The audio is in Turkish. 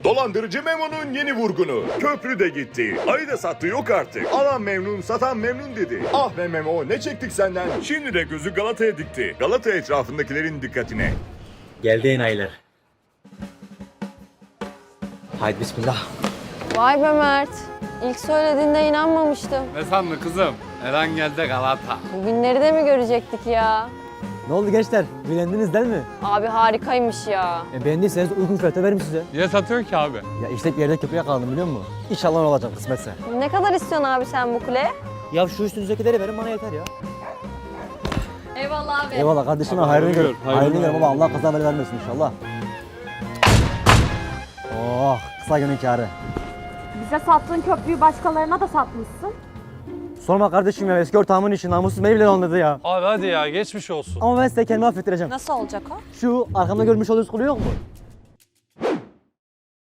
Dolandırıcı Memo'nun yeni vurgunu. Köprü de gitti. Ayı da sattı yok artık. Alan memnun, satan memnun dedi. Ah be Memo, ne çektik senden? Şimdi de gözü Galata'ya dikti. Galata etrafındakilerin dikkatine. Geldi enayiler. Haydi bismillah. Vay be Mert. İlk söylediğinde inanmamıştım. Ne sandın kızım? Eren geldi Galata. Bugünleri de mi görecektik ya? Ne oldu gençler? Beğendiniz değil mi? Abi harikaymış ya. Beğendiyseniz uygun fiyata veririm size. Niye satıyorsun ki abi? Ya işte bir yerde köprüye kaldım biliyor musun? İnşallah ne olacak kısmetse. Ne kadar istiyorsun abi sen bu kuleye? Ya şu üstünüzdekileri verin bana yeter ya. Eyvallah abi. Eyvallah kardeşim hayrını gör. Hayrını gör baba, Allah kaza bela vermesin inşallah. Oh, kısa günün kârı. Bize sattığın köprüyü başkalarına da satmışsın. Sorma kardeşim ya, eski ortağımın işi namussuz beni bile anladı ya. Abi hadi ya geçmiş olsun. Ama ben size kendimi affettireceğim. Nasıl olacak o? Şu arkamda görmüş olduğunuz kulu yok mu?